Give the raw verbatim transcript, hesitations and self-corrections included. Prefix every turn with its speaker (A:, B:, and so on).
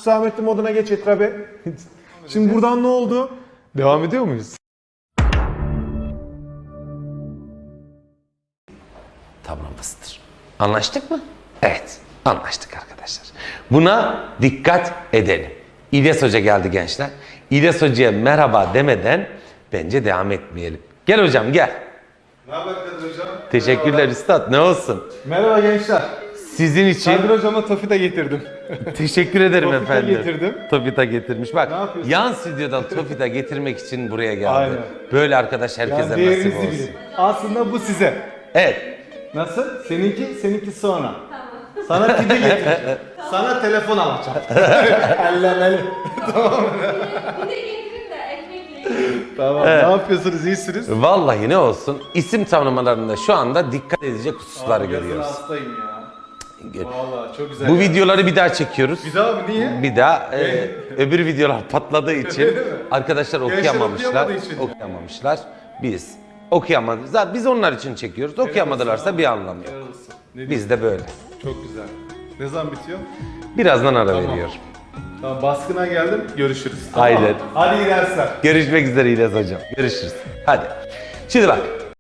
A: Hüsamettin moduna geç Etra Bey. Şimdi buradan ne oldu? Devam ediyor muyuz?
B: Tablomuzdur. Anlaştık mı? Evet, anlaştık arkadaşlar. Buna dikkat edelim. İlyas Hoca geldi gençler. İlyas Hoca'ya merhaba demeden bence devam etmeyelim. Gel hocam gel.
A: Ne haber Kadir Hocam?
B: Teşekkürler üstad, ne olsun.
A: Merhaba gençler.
B: Sizin için
A: Kadir Hocam'a Tofita getirdim.
B: teşekkür ederim
A: Tofita
B: efendim.
A: getirdim.
B: Tofita getirmiş. Bak
A: Ne yapıyorsun?
B: yan stüdyodan Tofita getirmek için buraya geldi.
A: Aynen.
B: Böyle arkadaş herkese
A: Yani
B: nasip
A: değerinizi
B: olsun.
A: bilin. Aslında bu size.
B: Evet.
A: Nasıl? Seninki, seninki sonra. Sana pide getireceğim. Sana telefon alacağım. Ellemeli.
C: Bir de getirin de ekmekle yiyin.
A: Tamam. Ne yapıyorsunuz? İyisiniz?
B: Vallahi ne olsun isim tanımlarında şu anda dikkat edecek hususları
A: Yazın
B: görüyoruz.
A: hastayım ya.
B: Gör-
A: Vallahi çok güzel.
B: Bu
A: ya.
B: videoları bir daha çekiyoruz.
A: Bir daha mı? Niye?
B: Bir daha e, öbür videolar patladığı için
A: Öyle mi?
B: arkadaşlar okuyamamışlar.
A: okuyamadığı için.
B: Okuyamamışlar. Biz okuyamadık. Zaten biz onlar için çekiyoruz. Okuyamadılarsa bir anlamı yok.
A: Helal olsun. Ne diyorsun?
B: Biz de böyle.
A: Çok güzel. Ne zaman bitiyor?
B: Birazdan ara
A: Tamam.
B: veriyor.
A: Tamam, baskına geldim. Görüşürüz. Tamam.
B: Aynen.
A: Hadi iyi dersler.
B: Görüşmek üzere İlyas hocam. Görüşürüz. Hadi. Şimdi bak